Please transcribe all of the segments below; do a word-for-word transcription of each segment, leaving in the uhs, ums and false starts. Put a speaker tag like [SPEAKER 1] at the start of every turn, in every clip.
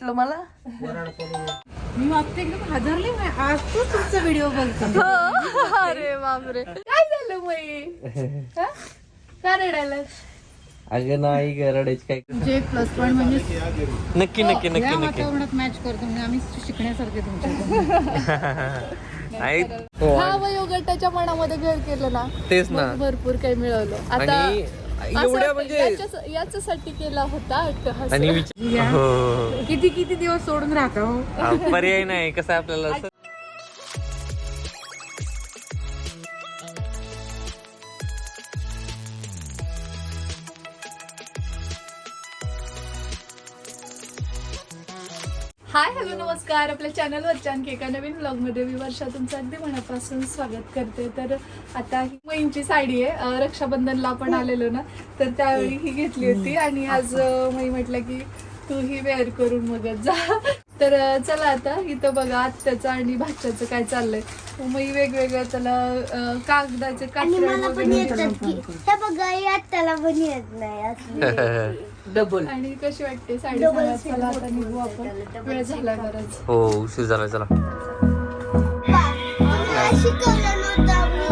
[SPEAKER 1] वाटलं मला.
[SPEAKER 2] मी मागते एकदम हादरले. आज तो तुमचा व्हिडिओ बघतो.
[SPEAKER 1] अरे बापरे, काय झालं मग? का रडायला?
[SPEAKER 3] अगं नाही रडायची काय.
[SPEAKER 2] तुमचे एक प्लस पॉईंट म्हणजे
[SPEAKER 3] नक्की नक्की
[SPEAKER 2] या
[SPEAKER 3] नक्की नक्की
[SPEAKER 2] वातावरणात मॅच करतो म्हणजे आम्ही शिकण्यासारखे तुमच्या.
[SPEAKER 1] हा वयोगटाच्या मनामध्ये घर केलं ना,
[SPEAKER 3] तेच ना.
[SPEAKER 1] मग भरपूर काही मिळवलं. आता
[SPEAKER 3] आणि
[SPEAKER 1] असं
[SPEAKER 3] एवढ्या
[SPEAKER 1] वाटतं,
[SPEAKER 3] म्हणजे
[SPEAKER 1] याच्याच- याच्यासाठी केला होता अट्टहास.
[SPEAKER 3] आणि विचार हो, हो,
[SPEAKER 2] किती किती दिवस सोडून राहता हो.
[SPEAKER 3] हो. पर्याय नाही कसं आहे आपल्याला असं.
[SPEAKER 1] हाय हॅलो नमस्कार. आपल्या चॅनलवरच्या आणखी एका नवीन ब्लॉगमध्ये मी वर्षा तुमचं अगदी मनापासून स्वागत करते. तर आता ही मईंची साडी आहे. अं, रक्षाबंधनला आपण आलेलो ना, तर त्यावेळी ही घेतली होती आणि आज अं, मई म्हटलं की तू ही वेअर करून मगच जा. तर अं, चला आता इथं बघा आत्याचं आणि भाच्याचं काय चाललंय. मई वेगवेगळं त्याला अं, कागदाचे कात्रे
[SPEAKER 4] त्याला पण येत नाही असली.
[SPEAKER 2] डबल
[SPEAKER 1] आणि कशी वाटते साडी सांगा. चला आता निघू आपण, वेळ झाला बराच.
[SPEAKER 3] हो उशीर झाला चला.
[SPEAKER 4] मला शिकवलं नव्हतं.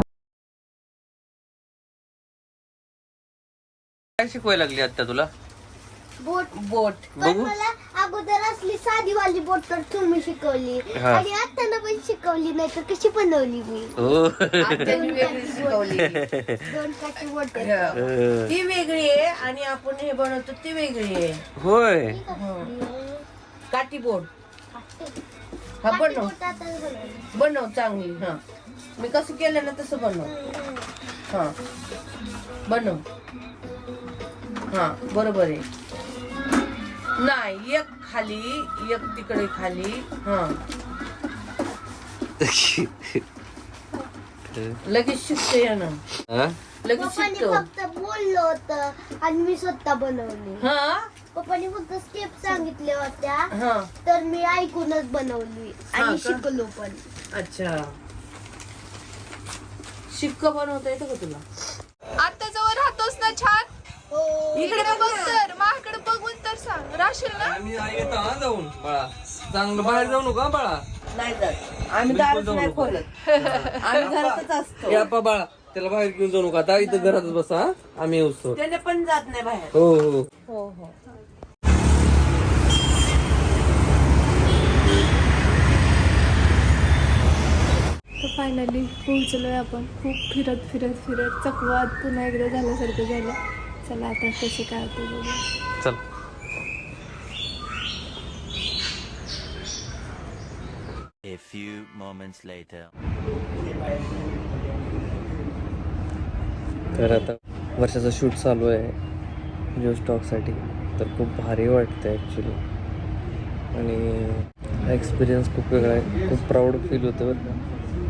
[SPEAKER 3] काय शिकवायला लागली आता तुला?
[SPEAKER 4] बोट
[SPEAKER 2] बोट
[SPEAKER 4] पण
[SPEAKER 3] बघू.
[SPEAKER 4] मला अगोदर असली साधी वाली बोट तर तुम्ही शिकवली
[SPEAKER 3] हा.
[SPEAKER 4] आणि आता पण शिकवली नाही तर कशी बनवली मी.
[SPEAKER 3] हो
[SPEAKER 2] त्यांनी वेगळी शिकवली.
[SPEAKER 4] दोन काठी बोट
[SPEAKER 3] अं,
[SPEAKER 2] ती वेगळी आहे आणि आपण हे बनवतो ती वेगळी आहे.
[SPEAKER 3] होय
[SPEAKER 2] काठी बोट हा बनव
[SPEAKER 4] बनवली.
[SPEAKER 2] बनव चांगली. हा मी कसं केलं ना तसं बनव. हा बनव. हा बरोबर आहे. नाही एक खाली एक तिकडे खाली. हा लगेच शिकते ना.
[SPEAKER 3] हा?
[SPEAKER 2] लगेच
[SPEAKER 4] पप्पानी
[SPEAKER 2] शिकतो.
[SPEAKER 4] फक्त बोललं होतं आणि मी स्वतः बनवली.
[SPEAKER 2] हा
[SPEAKER 4] पप्पानी फक्त स्टेप सांगितल्या होत्या
[SPEAKER 2] हा
[SPEAKER 4] तर मी ऐकूनच बनवली
[SPEAKER 2] हा
[SPEAKER 4] आणि
[SPEAKER 2] का?
[SPEAKER 4] शिकलो पण.
[SPEAKER 2] अच्छा शिक्का बनवता येतं का तुला?
[SPEAKER 1] आता जवळ राहतोस ना छान.
[SPEAKER 4] हो.
[SPEAKER 1] इकडे बघ तर, माझ्याकडे बघून तर सांग. राशील ना?
[SPEAKER 3] आम्ही येतो हा जाऊन बाळा. चांगलं बाहेर जाऊ नका बाळा.
[SPEAKER 2] नाही जात आम्ही दारच नाही खोलत. आम्ही घरातच असतो.
[SPEAKER 3] या पा बाळा त्याला बाहेर घेऊन जाऊ नका. आता इथं घरातच बसा हा. आम्ही येऊस्तो.
[SPEAKER 2] त्याने पण जात नाही बाहेर.
[SPEAKER 3] हो हो
[SPEAKER 2] हो हो
[SPEAKER 1] तर फायनली पोहोचलोय आपण. खूप फिरत फिरत फिरत चकवात पुन्हा एकदा झाल्यासारखं झालं. चला आता कसं काय होतं बघू.
[SPEAKER 3] चल.
[SPEAKER 5] A few moments later.
[SPEAKER 3] तर आता वर्षाचा शूट चालू आहे जिओ स्टॉकसाठी. तर खूप भारी वाटतं ॲक्च्युली आणि एक्सपिरियन्स खूप वेगळा आहे. खूप प्राऊड फील होतं बरं का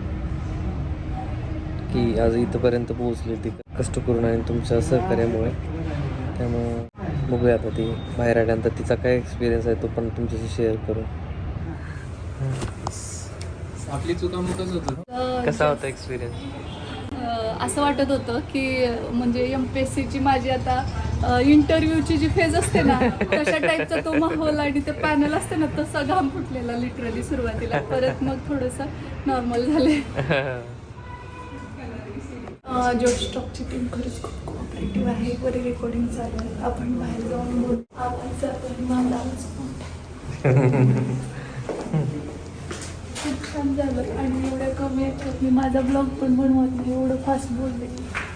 [SPEAKER 3] की आज इथंपर्यंत पोहोचली ती कष्ट करून आणि तुमच्या सहकार्यामुळे. त्यामुळं बघूया आता ती बाहेर आल्यानंतर तिचा काय एक्सपिरियन्स आहे तो पण तुमच्याशी शेअर करू.
[SPEAKER 6] आपली चुकामुकच होतं.
[SPEAKER 3] कसा होता एक्सपिरियन्स?
[SPEAKER 1] अं, असं वाटत होतं की म्हणजे एम पी एस सीची माझी आता इंटरव्ह्यूची जी फेज असते ना तशा टाईपचा तो माहोल आणि ते पॅनल असते ना तसा घाम फुटलेला लिटरली सुरुवातीला. परत मग थोडंसं नॉर्मल झाले. जॉब स्टॉकची टीम खरंच खूप कोऑपरेटिव्ह आहे. बरे रेकॉर्डिंग चालू आहे. आपण बाहेर जाऊन बोल आवाज जातो आणि माझा आवाज मोठा. खूप छान झालं आणि एवढ्या कमी याच्यात मी माझा ब्लॉग पण बनवत नाही. एवढं फास्ट बोलले.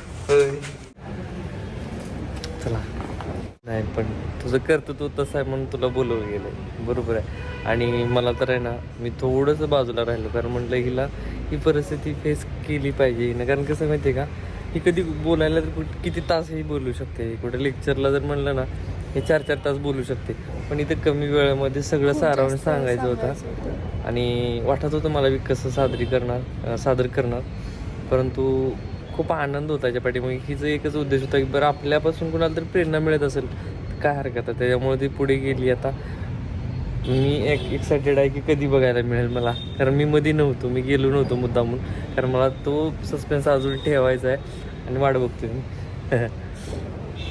[SPEAKER 3] चला नाही पण तुझं कर्तृत्व तसं आहे म्हणून तुला बोलवलं गेलं बरोबर आहे. आणि मला तर आहे ना मी थोडंसं बाजूला राहिलो कारण म्हटलं हिला ही परिस्थिती फेस केली पाहिजे ना. कारण कसं माहिती आहे का ही कधी बोलायला तर कुठं किती तासही बोलू शकते. कुठे लेक्चरला जर म्हणलं ना हे चार चार तास बोलू शकते. पण इथं कमी वेळामध्ये सगळं सारावून सांगायचं होतं आणि वाटत होतं मला मी कसं सादरी करणार सादर करणार. परंतु खूप आनंद होता याच्या पाठीमागे. हिचं एकच उद्देश होता की बरं आपल्यापासून कुणाला तरी प्रेरणा मिळत असेल तर काय हरकत आहे. त्याच्यामुळे ती पुढे गेली. आता मी एक एक्सायटेड आहे की कधी बघायला मिळेल मला. कारण मी मध्ये नव्हतो, मी गेलो नव्हतो मुद्दामून. कारण मला तो सस्पेन्स अजून ठेवायचा आहे आणि वाट बघतो मी.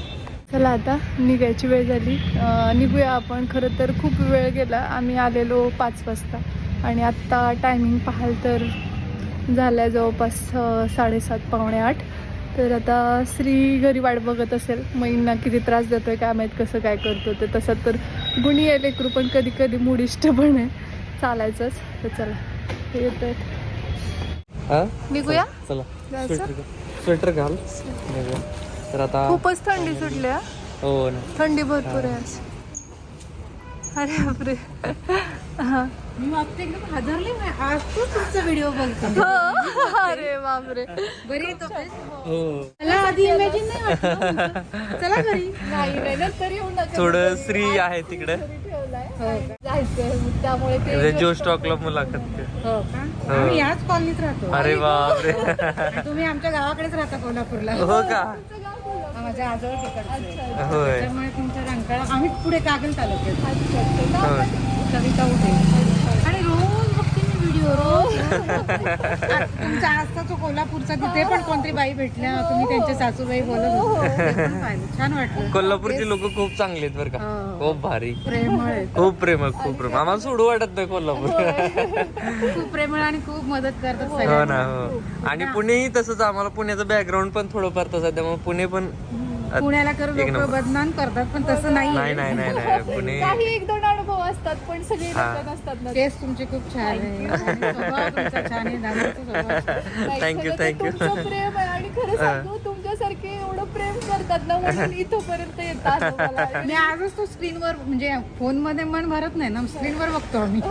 [SPEAKER 1] चला आता निघायची वेळ झाली. अं, निघूया आपण. खरं तर खूप वेळ गेला. आम्ही आलेलो पाच वाजता आणि आत्ता टायमिंग पाहाल तर झालं आहे जवळपास अं, साडेसात पावणे आठ. तर आता श्री घरी वाट बघत असेल. मैंना किती त्रास देतोय काय माहीत, कसं काय करतो ते. तसं तर गुणी आहे लेकरू, पण कधी कधी मुडिष्ट पण आहे चालायचंच. तर चला हे येत आहेत.
[SPEAKER 3] हा
[SPEAKER 1] निघूया.
[SPEAKER 3] चला
[SPEAKER 1] जायचं?
[SPEAKER 3] स्वेटर स्वेटर घाल निघूया. तर आता
[SPEAKER 1] खूपच थंडी सुटली हा.
[SPEAKER 3] हो ना.
[SPEAKER 1] थंडी भरपूर आहे आज. अरे बापरे. हा.
[SPEAKER 2] मी मागते एकदम हादरले. आज तू तुमचा व्हिडिओ बघतो.
[SPEAKER 1] हो. अरे बापरे.
[SPEAKER 2] बरी तो
[SPEAKER 3] हो
[SPEAKER 2] मला आधी इमॅजिन नाही वाटलं. चला घरी.
[SPEAKER 1] नाही नाही नंतर येऊ नका.
[SPEAKER 3] थोडं श्री आहे तिकडे.
[SPEAKER 1] ठेवलाय जायचंय मग त्यामुळे
[SPEAKER 3] म्हणजे
[SPEAKER 1] ते
[SPEAKER 3] जो स्टॉकला मुलाखत ते.
[SPEAKER 2] हो का?
[SPEAKER 3] हो.
[SPEAKER 2] आम्ही याच कॉलनीत राहतो.
[SPEAKER 3] अरे बापरे.
[SPEAKER 2] आणि तुम्ही आमच्या गावाकडेच राहता कोल्हापूरला.
[SPEAKER 3] हो का.
[SPEAKER 2] माझ्या आजोळ तिकडचे.
[SPEAKER 3] होय.
[SPEAKER 2] त्यामुळे तुमच्या रंकाळा आम्ही पुढे कागल तालुक्यात.
[SPEAKER 3] होय.
[SPEAKER 2] कविता उठे आणि रोज बघते मी व्हिडिओ रोज. तुमचा आजचा तो कोल्हापूरचा तिथे पण कोणतरी बाई भेटल्या. तुम्ही त्यांच्या सासूबाई बोलत होते. ते पण पाहिलं. छान वाटलं.
[SPEAKER 3] कोल्हापूरची लोक खूप चांगली आहेत बरं का.
[SPEAKER 2] हो.
[SPEAKER 3] खूप भारी.
[SPEAKER 2] प्रेमळ आहेत.
[SPEAKER 3] खूप प्रेमळ खूप प्रेम. आम्हाला सोडू वाटत नाही कोल्हापूर.
[SPEAKER 2] खूप प्रेमळ आणि खूप मदत करतात
[SPEAKER 3] हो
[SPEAKER 2] सगळ्यांना.
[SPEAKER 3] ना. हो आणि पुणेही तसंच. आम्हाला पुण्याचं बॅकग्राऊंड पण थोडंफार तसं आहे, त्यामुळे पुणे पण
[SPEAKER 2] पुण्याला कर
[SPEAKER 3] एक
[SPEAKER 2] लोक
[SPEAKER 3] नंबर.
[SPEAKER 2] बदनाम करतात पण तसं नाही.
[SPEAKER 3] नाही नाही नाही नाही पुणे.
[SPEAKER 1] काही एक दोन अनुभव असतात पण सगळे
[SPEAKER 3] हा.
[SPEAKER 1] लोक नसतात ना.
[SPEAKER 2] केस तुमचे खूप छान आहे. आणि स्वभाव तुमचा छान आहे. दादाचा स्वभाव छान.
[SPEAKER 1] नाही,
[SPEAKER 3] थँक्यू
[SPEAKER 1] खरं तर
[SPEAKER 3] थँक्यू.
[SPEAKER 1] तुमचं प्रेम आहे आणि खरं सांगू तुमच्यासारखे एवढं प्रेम करतात ना म्हणून इथपर्यंत येतात मला.
[SPEAKER 2] मी आजच तो स्क्रीनवर म्हणजे फोन मध्ये मन भरत नाही ना, स्क्रीनवर बघतो आम्ही.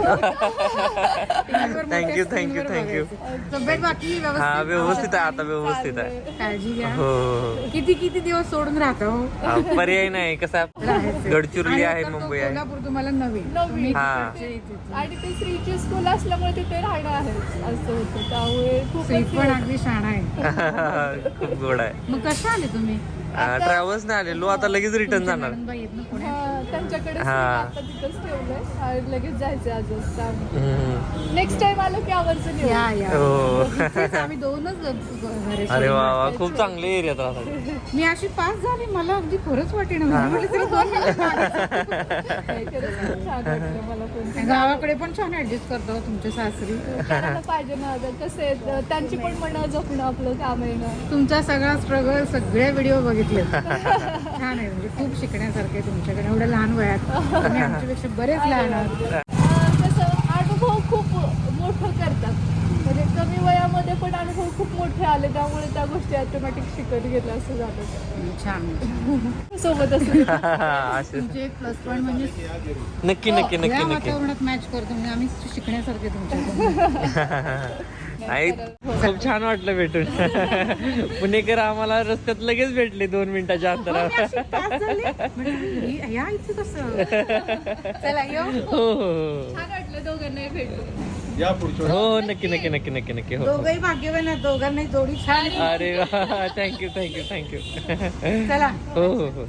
[SPEAKER 3] Thank you thank you thank you.
[SPEAKER 2] तब्येत बाकी
[SPEAKER 3] हा
[SPEAKER 2] व्यवस्थित
[SPEAKER 3] व्यवस्थित आहे आता. व्यवस्थित आहे.
[SPEAKER 2] काळजी घ्या.
[SPEAKER 3] हो हो
[SPEAKER 2] किती किती दिवस सोडून राहतो.
[SPEAKER 3] हा, पर्याय नाही. कसं आहे, गडचिरोली आहे, मुंबई आहे.
[SPEAKER 2] कोल्हापूर तुम्हाला नवीन.
[SPEAKER 1] नवीन.
[SPEAKER 2] तुम्ही
[SPEAKER 3] हा.
[SPEAKER 2] तिकडचे इथे.
[SPEAKER 1] आणि ते श्रीची स्कूल असल्यामुळे तिथे राहणं आहे असं होतं. त्यामुळे
[SPEAKER 2] श्री
[SPEAKER 1] खूप
[SPEAKER 2] पण अगदी शाणा आहे.
[SPEAKER 3] खूप गोड आहे.
[SPEAKER 2] मग कशा आले तुम्ही?
[SPEAKER 3] ट्रॅव्हल्स नाही आलेलो, आता लगेच रिटर्न जाणार.
[SPEAKER 2] नंदनबाई आहेत ना पुण्यात?
[SPEAKER 1] त्यांच्याकडे
[SPEAKER 3] हा.
[SPEAKER 1] आता तिथंच ठेवलंय आणि लगेच जायचं आजच.
[SPEAKER 3] हम्म.
[SPEAKER 1] नेक्स्ट टाइम आलो की आवर्जून येऊ.
[SPEAKER 2] या या.
[SPEAKER 3] हो.
[SPEAKER 2] इथेच आम्ही दोनच ग- ग- घरे
[SPEAKER 3] अरे
[SPEAKER 2] सोडून.
[SPEAKER 3] वा वा खूप चांगले एरियात राहतात.
[SPEAKER 2] मी अशी पास झाली. मला अगदी खरंच वाटेना. मी म्हटलं चला दोन मिनिटं मागे.
[SPEAKER 1] नाही, खरंच खूप छान वाटलं मला पण.
[SPEAKER 2] गावाकडे पण छान ऍडजस्ट करतो तुमच्या सासरी.
[SPEAKER 1] करायला पाहिजे ना. आता कसं आहे त्यांची पण मनं जपणं आपलं काम आहे ना.
[SPEAKER 2] तुमचा सगळा स्ट्रगल सगळे व्हिडिओ बघितले. छान आहे. म्हणजे खूप शिकण्यासारखे तुमच्याकडे एवढ्या लहान वयात. तुम्ही आमच्यापेक्षा बरेच लहान आहात.
[SPEAKER 1] अं, कसं अनुभव खूप मोठं करतात. म्हणजे कमी वयामध्ये पण अनुभव खूप मोठे आले त्यामुळे त्या गोष्टी ऑटोमॅटिक शिकत गेल्या असं झालं.
[SPEAKER 2] छान.
[SPEAKER 1] सोबत असं
[SPEAKER 3] असे
[SPEAKER 2] तुमचे एक प्लस पॉईंट म्हणजे
[SPEAKER 3] नक्की नक्की
[SPEAKER 2] या
[SPEAKER 3] नक्की नक्की.
[SPEAKER 2] वातावरणात मॅच करतो म्हणजे आम्ही शिकण्यासारखे तुमच्याकडून.
[SPEAKER 3] आई खूप छान वाटलं भेटून. पुणेकर आम्हाला रस्त्यात लगेच भेटले दोन मिनिटाच्या अंतरावर.
[SPEAKER 2] पास झाले. म्हटलं, ही- या इथं कसं. चला येऊ.
[SPEAKER 3] हो हो हो.
[SPEAKER 1] छान वाटलं दोघांनाही भेटून.
[SPEAKER 3] हो नक्की नक्की नक्की नक्की नक्की. हो हो.
[SPEAKER 2] दोघंही भाग्यवान आहेत. दोघांनाही जोडी छान आहे.
[SPEAKER 3] अरे वा थँक्यू थँक्यू थँक्यू.
[SPEAKER 2] चला.
[SPEAKER 3] हो हो हो.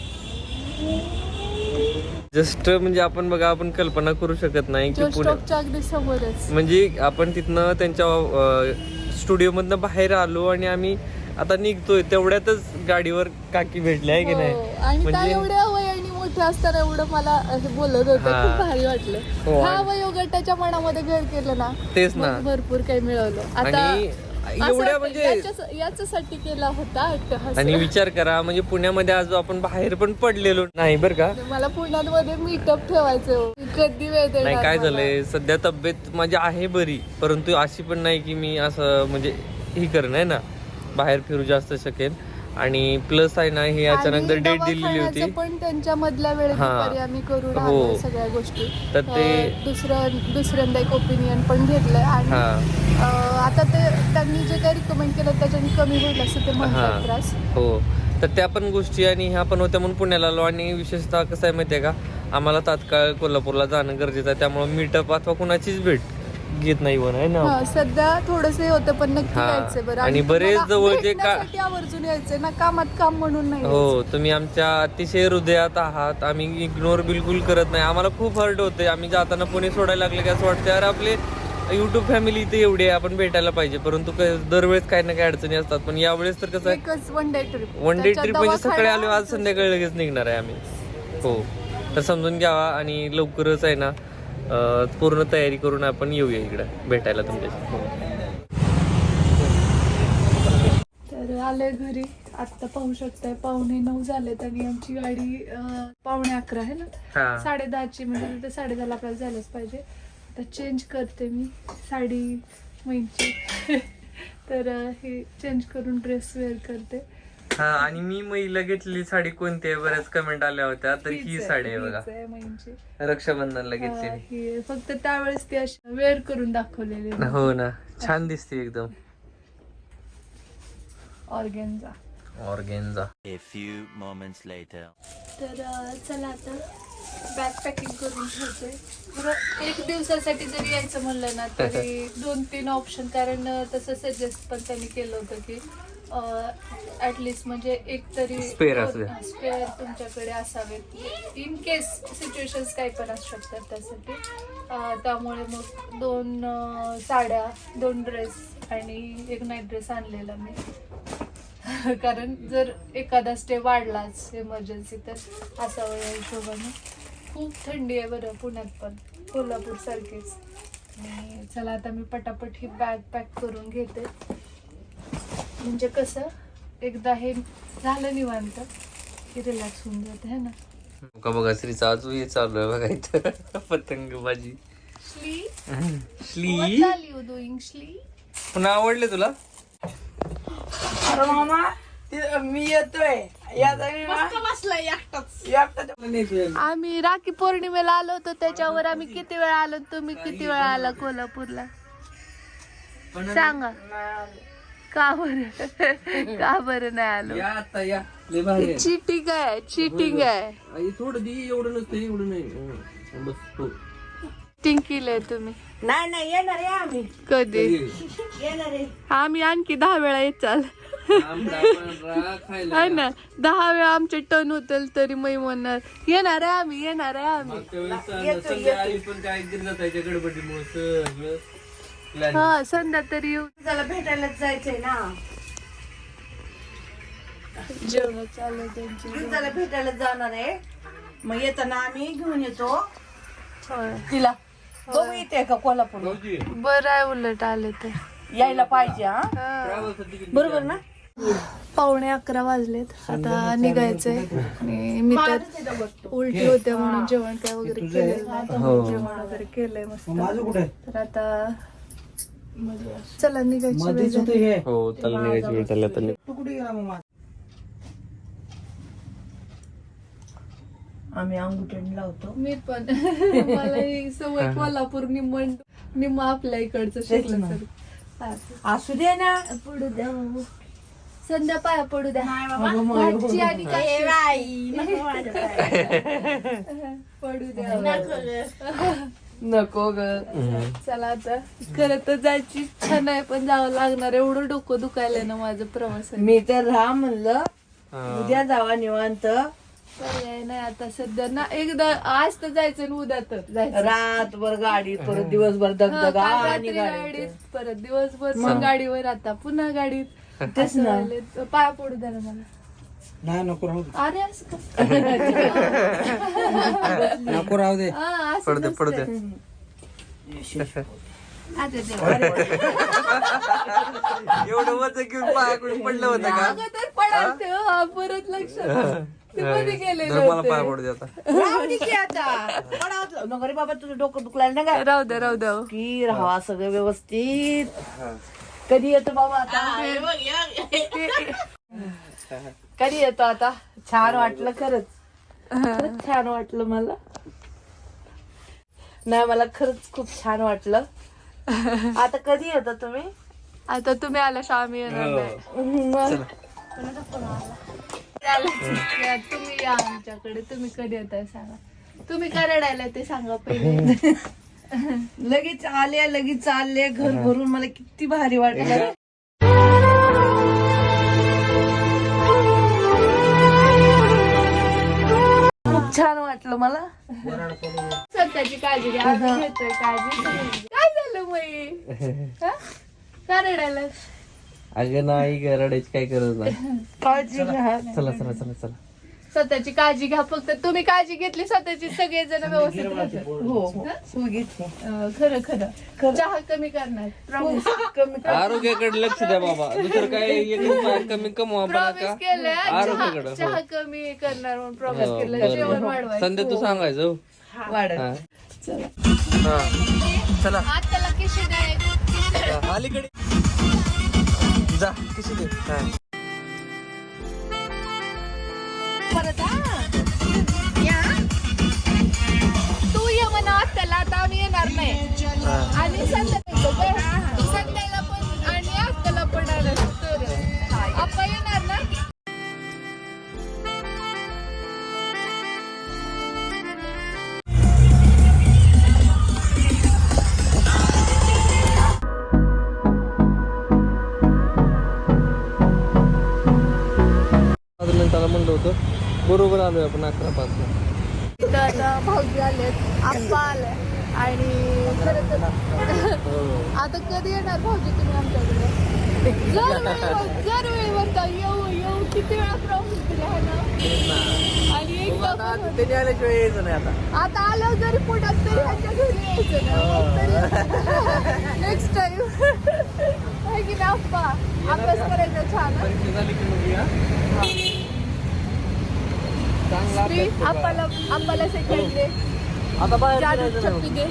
[SPEAKER 3] जस्ट म्हणजे आपण बघा आपण कल्पना करू शकत नाही की
[SPEAKER 1] जो
[SPEAKER 3] पुणे
[SPEAKER 1] स्टॉपच्या अगदी समोरच.
[SPEAKER 3] म्हणजे आपण तिथनं त्यांच्या स्टुडिओ मधनं बाहेर आलो आणि आम्ही आता निघतोय तेवढ्यातच गाडीवर काकी भेटल्या आहे की
[SPEAKER 1] हो.
[SPEAKER 3] नाही.
[SPEAKER 1] आणि त्या
[SPEAKER 3] म्हणजे
[SPEAKER 1] एवढ्या वयाने मोठे असताना एवढं मला असं बोलत होते.
[SPEAKER 3] हा.
[SPEAKER 1] खूप भारी वाटलं.
[SPEAKER 3] हो,
[SPEAKER 1] हा
[SPEAKER 3] आणि-
[SPEAKER 1] वयोगटाच्या मनामध्ये घर केलं ना.
[SPEAKER 3] तेच ना.
[SPEAKER 1] मग भरपूर काही मिळवलं. आता
[SPEAKER 3] आणि
[SPEAKER 1] असं
[SPEAKER 3] एवढ्या
[SPEAKER 1] वाटतं
[SPEAKER 3] म्हणजे
[SPEAKER 1] याच्याच- याच्यासाठी केला होता अट्टहास.
[SPEAKER 3] आणि विचार करा म्हणजे पुण्यामध्ये आज आपण बाहेर पण पडलेलो नाही बरं का.
[SPEAKER 1] मला पुण्यामध्ये मीटअप ठेवायचं हो. कधी वेळ देणार
[SPEAKER 3] नाही काय
[SPEAKER 1] मला?
[SPEAKER 3] झालंय सध्या तब्येत माझी आहे बरी, परंतु अशी पण नाही की मी असं म्हणजे ही करणं आहे ना बाहेर फिरू जास्त शकेन. आणि प्लस आहे ना ही अचानक
[SPEAKER 1] आणि
[SPEAKER 3] जर डेट दिलेली होती
[SPEAKER 1] दवाखान्याचं पण त्यांच्या मधल्या वेळेत
[SPEAKER 3] हा.
[SPEAKER 1] दुपारी आम्ही करून
[SPEAKER 3] हो.
[SPEAKER 1] आलोय सगळ्या गोष्टी.
[SPEAKER 3] तर ते-
[SPEAKER 1] अं, दुसरं दुसऱ्यांदा एक ओपिनियन पण घेतलंय आणि
[SPEAKER 3] हा
[SPEAKER 1] अं, आता ते त्यांनी जे काही रिकमेंड केलं त्याच्याने कमी होईल असं ते म्हणतात
[SPEAKER 3] हा.
[SPEAKER 1] त्रास.
[SPEAKER 3] हो तर त्या पण गोष्टी आणि ह्या पण होत्या म्हणून पुण्याला आलो. आणि विशेषतः कसं आहे माहिती आहे का आम्हाला तात्काळ कोल्हापूरला जाणं गरजेचं आहे, त्यामुळे मीटअप अथवा कुणाचीच भेट घेत नाही वन आहे ना.
[SPEAKER 1] हा, सध्या थोडस होतं पण नक्की
[SPEAKER 3] हा.
[SPEAKER 1] यायचंय बरं.
[SPEAKER 3] आणि बरेच
[SPEAKER 1] तुम्हाला
[SPEAKER 3] जवळचे का-
[SPEAKER 1] भेटण्यासाठी आवर्जून यायचंय ना, कामात काम म्हणून नाही यायचं.
[SPEAKER 3] हो तुम्ही आमच्या अतिशय हृदयात आहात. आम्ही इग्नोर बिलकुल करत नाही. आम्हाला खूप हर्ट होते. आम्ही जाताना पुणे सोडायला लागले की असं वाटतं यार आपले युट्यूब फॅमिली इथे एवढी आहे, आपण भेटायला पाहिजे, परंतु काय दरवेळेस काही ना काही अडचणी असतात. पण यावेळेस तर कसं आहे,
[SPEAKER 1] एकच one day trip
[SPEAKER 3] one day trip म्हणजे सकाळी आलो, आज संध्याकाळी लगेच निघणार आहे आम्ही. हो, तर समजून घ्यावा आणि लवकरच आहे ना अं, पूर्ण तयारी करून आपण येऊया इकडं भेटायला तुमच्याशी. हो.
[SPEAKER 1] तर आलोय घरी. आता पाहू शकताय पावणे नऊ झालेत आणि आमची गाडी अं, पावणे अकरा आहे ना,
[SPEAKER 3] हा.
[SPEAKER 1] साडे दहाची म्हणजे तिथे साडे दहाला आपल्याला जायलाच पाहिजे. आता चेंज करते मी साडी मैंची तर अं, हे चेंज करून ड्रेस वेअर करते.
[SPEAKER 3] हा, आणि मी महिला घेतलेली साडी कोणती आहे, बऱ्याच कमेंट आल्या होत्या, तर ही साडी आहे बघा,
[SPEAKER 1] हीच आहे मैंची.
[SPEAKER 3] रक्षाबंधनला
[SPEAKER 1] हा,
[SPEAKER 3] घेतलेली.
[SPEAKER 1] ही फक्त त्यावेळेस ती अशी वेअर करून दाखवलेली
[SPEAKER 3] हो ना, छान दिसते एकदम.
[SPEAKER 1] Organza.
[SPEAKER 3] Organza.
[SPEAKER 5] A few moments later.
[SPEAKER 1] तर अं, चला आता बॅग पॅकिंग करून ठेवते. बरं, एक दिवसासाठी जरी यायचं म्हणलं ना तरी दोन तीन ऑप्शन, कारण अं, तसं सजेस्ट पण त्यांनी केलं होतं की ऍटलिस्ट म्हणजे एक तरी
[SPEAKER 3] Spare असू दे.
[SPEAKER 1] स्पेअर तुमच्याकडे असावेत इन केस सिच्युएशन्स काही पण असू शकतात त्यासाठी. अं, त्यामुळे मग दोन अं, साड्या, दोन ड्रेस आणि एक नाईट ड्रेस आणलेला मी. कारण जर एखादा स्टे वाढलाच इमर्जन्सी तर असावं या हिशोबाने. खूप थंडी आहे बरं पुण्यात पण, कोल्हापूर सारखीच. आणि चला आता मी पटापट ही बॅग पॅक करून घेते, म्हणजे कसं एकदा हे झालं निवांत की रिलॅक्स होऊन जाते है ना.
[SPEAKER 3] का बघा श्रीचा अजून हे चालू आहे बघा इथं पतंगबाजी.
[SPEAKER 1] श्ली
[SPEAKER 3] श्ली
[SPEAKER 1] what are you doing, श्ली?
[SPEAKER 3] पुन्हा आवडले तुला?
[SPEAKER 7] अरे मामा ते- मी येतोय
[SPEAKER 1] आम्ही राखी पौर्णिमेला आलो होतो, त्याच्यावर आम्ही किती वेळा आलो, तुम्ही किती वेळा आला कोल्हापूरला सांगा. का बरं का बरं नाही आलो?
[SPEAKER 3] या आता या, लय भारी आहे.
[SPEAKER 1] चिटिंग आहे, चिटिंग आहे.
[SPEAKER 3] आई, थोडं दे, एवढं नसतं, एवढं नाही. हं, बस हो.
[SPEAKER 1] चिटिंग केलंय तुम्ही.
[SPEAKER 7] नाही नाही येणार आहे आम्ही
[SPEAKER 1] कधी?
[SPEAKER 7] येणार आहे.
[SPEAKER 1] आम्ही आणखी दहा वेळा येत चाल
[SPEAKER 3] आंबा, पांढरा खायला.
[SPEAKER 1] आहे ना, दहा वेळा आमचे टर्न होतील तरी मी म्हणणार येणार आहे आम्ही, येणार आहे आम्ही.
[SPEAKER 3] मागच्या वेळेस चाललं, संध्याकाळी पण काय गिरजा जायच्या गडबडीमुळे सगळं plan.
[SPEAKER 1] हा, संध्या तरी येऊ.
[SPEAKER 7] त्याला भेटायलाच जायचंय ना,
[SPEAKER 1] जेवण चालू त्यांची.
[SPEAKER 7] त्याला भेटायलाच जाणार आहे. मग येताना आम्ही घेऊन येतो
[SPEAKER 1] होय.
[SPEAKER 7] तिला. बघू येते का कोल्हापूर?
[SPEAKER 3] भाऊजी,
[SPEAKER 1] बरं आहे उलट आले तर.
[SPEAKER 7] यायला पाहिजे हा,
[SPEAKER 3] travelचं ticket
[SPEAKER 7] बरोबर ना.
[SPEAKER 1] पावणे अकरा वाजलेत, आता निघायचंय. आणि मी तर उलटी होते म्हणून जेवण काय वगैरे केलेलं नाही. जेवण वगैरे केलंय मस्त. तर आता चला निघायची वेळ झाली.
[SPEAKER 3] हो, त्याला निघायची वेळ झाली आता.
[SPEAKER 7] आम्ही अंगुठण लावतो.
[SPEAKER 1] मी पण मला ही सवय कोल्हापूर निम्म निम्म आपल्या इकडचं शिकलं तरी. हा.
[SPEAKER 7] असू दे ना.
[SPEAKER 1] पडू द्या बाबू. संध्या पाया पडू द्या. भाजी आणि काशी. पडू द्या.
[SPEAKER 7] नको ग.
[SPEAKER 1] चला आता खरं तर जायची इच्छा नाही, पण जावं लागणार. एवढं डोकं दुखायलंय ना माझं प्रवासात.
[SPEAKER 7] मी तर राहा म्हणलं उद्या जावा निवांत.
[SPEAKER 1] पर्याय नाही आता सध्या ना. एकदा आज तर जायचं आणि उद्या तर जायचं.
[SPEAKER 7] रातभर गाडीत, परत दिवसभर
[SPEAKER 1] हा,
[SPEAKER 7] दगदगा
[SPEAKER 1] काल
[SPEAKER 7] आणि
[SPEAKER 1] रात्री
[SPEAKER 7] गाडीत.
[SPEAKER 1] गाडीत, परत दिवसभर मग गाडीवर, आता पुन्हा गाडीत.
[SPEAKER 7] तेच
[SPEAKER 1] असं
[SPEAKER 7] ना.
[SPEAKER 1] व्हायलंय. पाया पडू द्या ना मला.
[SPEAKER 8] नाही नको राहू दे
[SPEAKER 1] अरे असं का?
[SPEAKER 8] नको राहू दे
[SPEAKER 1] हा, असं
[SPEAKER 3] पडू दे, पडू दे.
[SPEAKER 1] नसतं. आता ते
[SPEAKER 3] एवढं वजन घेऊन पायाकडून पडलं होतं का?
[SPEAKER 1] अगोदर पडायचं, हा, परत लक्षात. ते मध्ये गेलेलं
[SPEAKER 3] तर मला पाय
[SPEAKER 1] होतं.
[SPEAKER 3] पडू दे आता.
[SPEAKER 7] राहू दे की आता. पडावं नको रे बाबा, तुझं डोकं दुखलाय ना का
[SPEAKER 1] राहू द्या, राहू द्या.
[SPEAKER 7] की राहा सगळं व्यवस्थित. कधी येतो बाबा आता? कधी येतो आता? छान वाटलं खरंच. खरंच छान वाटलं मला. नाही मला खरंच खूप छान वाटलं. आता कधी येतो तुम्ही?
[SPEAKER 1] आता तुम्ही आल्याशिवाय आम्ही येणार नाही.
[SPEAKER 7] मग
[SPEAKER 1] चालेल. तुम्ही या आमच्याकडे. तुम्ही कधी येताय सांगा. तुम्ही का रडायला ते सांगा पहिले.
[SPEAKER 7] लगेच आले लगेच आले घर भरून. मला किती भारी वाटलं. खूप छान वाटलं मला.
[SPEAKER 1] स्वतःची काळजी घ्या. आम्ही घेतोय काळजी. काय झालं मई हा? का रडायला
[SPEAKER 3] अगं नाही ग, रडायची काय गरज नाही.
[SPEAKER 7] काळजी घ्या.
[SPEAKER 3] चला चला चला चला.
[SPEAKER 1] स्वतःची काळजी घ्या. फक्त तुम्ही काळजी घेतली स्वतःची सगळेजण व्यवस्थित राहतात.
[SPEAKER 7] हो हो तू घेतली.
[SPEAKER 1] अं, खरं खरं चहा कमी करणार
[SPEAKER 7] प्रॉमिस कमी कर.
[SPEAKER 3] आरोग्याकडे लक्ष द्या बाबा, दुसरं काय एक रुपया कमी कमवा बघा
[SPEAKER 1] प्रॉमिस
[SPEAKER 3] का.
[SPEAKER 1] केलं
[SPEAKER 3] आरोग्याकडं,
[SPEAKER 1] चहा
[SPEAKER 3] हो.
[SPEAKER 1] चहा कमी करणार म्हणून प्रॉमिस
[SPEAKER 3] हो,
[SPEAKER 1] केलं.
[SPEAKER 3] बरोबर.
[SPEAKER 1] जेवण वाढवायचं.
[SPEAKER 3] संध्या तू सांगायचं हो.
[SPEAKER 7] वाढत.
[SPEAKER 3] हा.
[SPEAKER 1] चला
[SPEAKER 3] हा. चला
[SPEAKER 1] आज त्याला किशी दे.
[SPEAKER 3] हा, अलीकडे जा किशी दे. हा.
[SPEAKER 1] परत हा. या. तू ये म्हणा त्याला आता आम्ही येणार नाही.
[SPEAKER 3] हा.
[SPEAKER 1] आणि संध्याकाळी संध्याला पण आणि आत्याला पण आलं तर आपण येणार ना.
[SPEAKER 3] पाच मिनिटाला म्हणलं होतं, बरोबर आलोय आपण अकरा पाच ला.
[SPEAKER 1] इथं आता भाऊजी आलेत, आप्पा आले आणि खरं तर आता कधी येणार भाऊजी तुम्ही आमच्याकडे? जर वेळेवर जर वेळेवर तर येऊ येऊ किती वेळा प्रॉमिस दिला आहे ना. आणि एकदा पण होत.
[SPEAKER 3] त्याने आल्याशिवाय यायचं नाही आता.
[SPEAKER 1] आता आलं जरी पुण्यात तरी ह्यांच्या घरी यायचं ना. नेक्स्ट टाइम आहे की ना आप्पा अभ्यास करायचा छान हं?
[SPEAKER 3] परीक्षा झाली की मग या. चांगला
[SPEAKER 1] श्री,
[SPEAKER 3] अभ्यास करा.
[SPEAKER 1] आप्पाला आप्पाला सेकंड दे.
[SPEAKER 3] आता बाहेर
[SPEAKER 1] जादू
[SPEAKER 3] फिरायचं नाही.
[SPEAKER 1] चप्पी दे.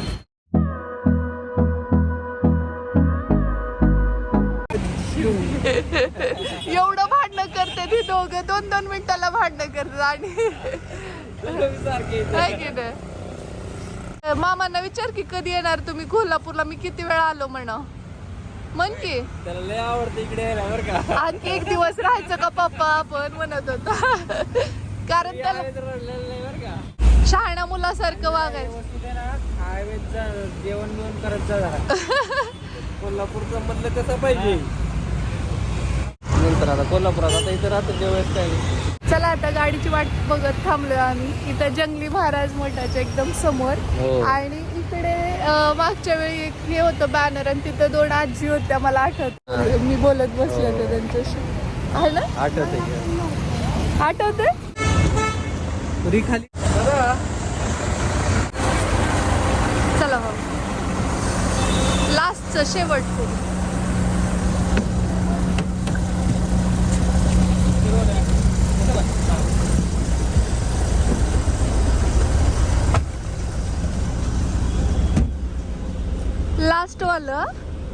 [SPEAKER 1] एवढं भांडणं करते ती दोघं, दोन दोन मिनिटाला भांडणं करतात. आणि आहे की नाही? मामांना विचार की कधी येणार तुम्ही कोल्हापूरला, मी किती वेळा आलो म्हणा. म्हण की
[SPEAKER 3] त्याला लय आवडतं इकडे यायला बरं का.
[SPEAKER 1] आणखी एक दिवस राहायचं का पप्पा आपण म्हणत होता. कारण त्याला
[SPEAKER 3] रडलेलं नाही बरं का.
[SPEAKER 1] शहाण्या मुलासारखं वागायचं.
[SPEAKER 3] जेवण बिवण करत जा जरा. कोल्हापूरचं मधलं कसं पाहिजे. नंतर आता कोल्हापुरात आता इथं राहतं जेवायचं काय नाही.
[SPEAKER 1] चला आता गाडीची वाट बघत थांबलोय आम्ही इथं जंगली महाराज मठाच्या एकदम समोर.
[SPEAKER 3] हो.
[SPEAKER 1] आणि इकडे अं, मागच्या वेळी एक हे होतं बॅनर आणि तिथं दोन आजी होत्या मला आठवत. मी बोलत बसले होते त्यांच्याशी. आहे ना?
[SPEAKER 3] आठवत आहे
[SPEAKER 1] आठवते?
[SPEAKER 3] पुरी खाली.
[SPEAKER 1] चला मग लास्टचं शेवटचं. लास्ट वालं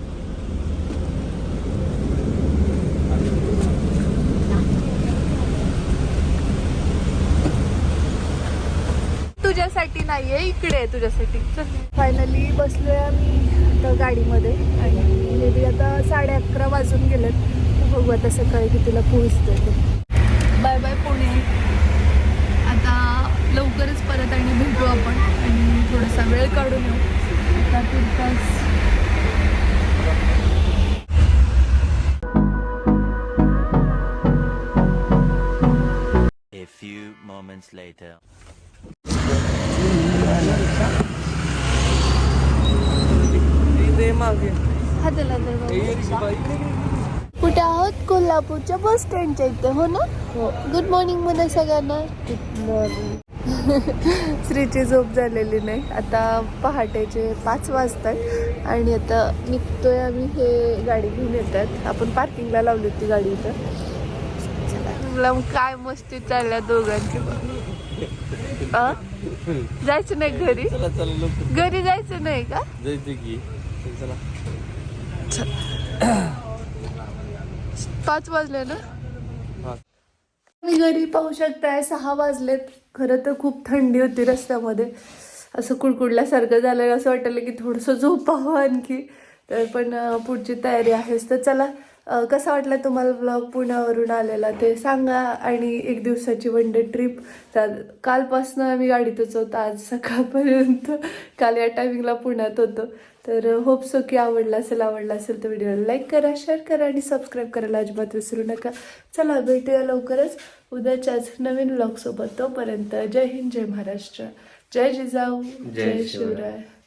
[SPEAKER 1] तुझ्यासाठी नाहीये, इकडे आहे तुझ्यासाठी. फायनली बसलोय आम्ही आता गाडीमध्ये आणि मे बी आता साडे अकरा वाजून गेलेत. बघू आता सकाळी कितीला पोहोचतोय ते. Bye bye Pune. आता लवकरच परत आणि भेटू आपण आणि थोडासा वेळ काढून येऊ. आता तुर्तास
[SPEAKER 5] A few moments later.
[SPEAKER 1] हाताला कुठे आहोत? कोल्हापूरच्या बस स्टँडच्या इथे हो ना. गुड मॉर्निंग म्हणा सगळ्यांना. Good morning. श्रीची झोप झालेली नाही. आता पहाटेचे पाच वाजतात आणि आता निघतोय आम्ही. हे गाडी घेऊन येतात. आपण पार्किंगला लावली होती गाडी इथं. चला काय मस्ती चालल्या दोघांची. अ? जायचं नाही घरी?
[SPEAKER 3] चला चला लवकर
[SPEAKER 1] घरी जायचं नाही का?
[SPEAKER 3] जायचं की. चला
[SPEAKER 1] पाच वाजले ना.
[SPEAKER 3] हा.
[SPEAKER 1] मी घरी पाहू शकताय सहा वाजलेत. खरं तर खूप थंडी होती रस्त्यामध्ये. असं कुडकुडल्यासारखं झालं. असं वाटलं की थोडंसं झोपावं आणखी. तर पण पुढची तयारी आहेच. तर चला कसा वाटला तुम्हाला ब्लॉग पुण्यावरून आलेला ते सांगा. आणि एक दिवसाची वन डे ट्रिप. कालपासनं आम्ही गाडीतच होतो आज सकाळपर्यंत. काल या टायमिंगला पुण्यात होतो. तर होप सो की आवडला असेल. आवडला असेल तर व्हिडिओला लाईक करा, शेअर करा आणि सबस्क्राईब करायला अजिबात विसरू नका. चला भेटूया लवकरच उद्याच्याच नवीन व्लॉगसोबत. तोपर्यंत जय हिंद, जय महाराष्ट्र, जय जिजाऊ, जय शिवराय.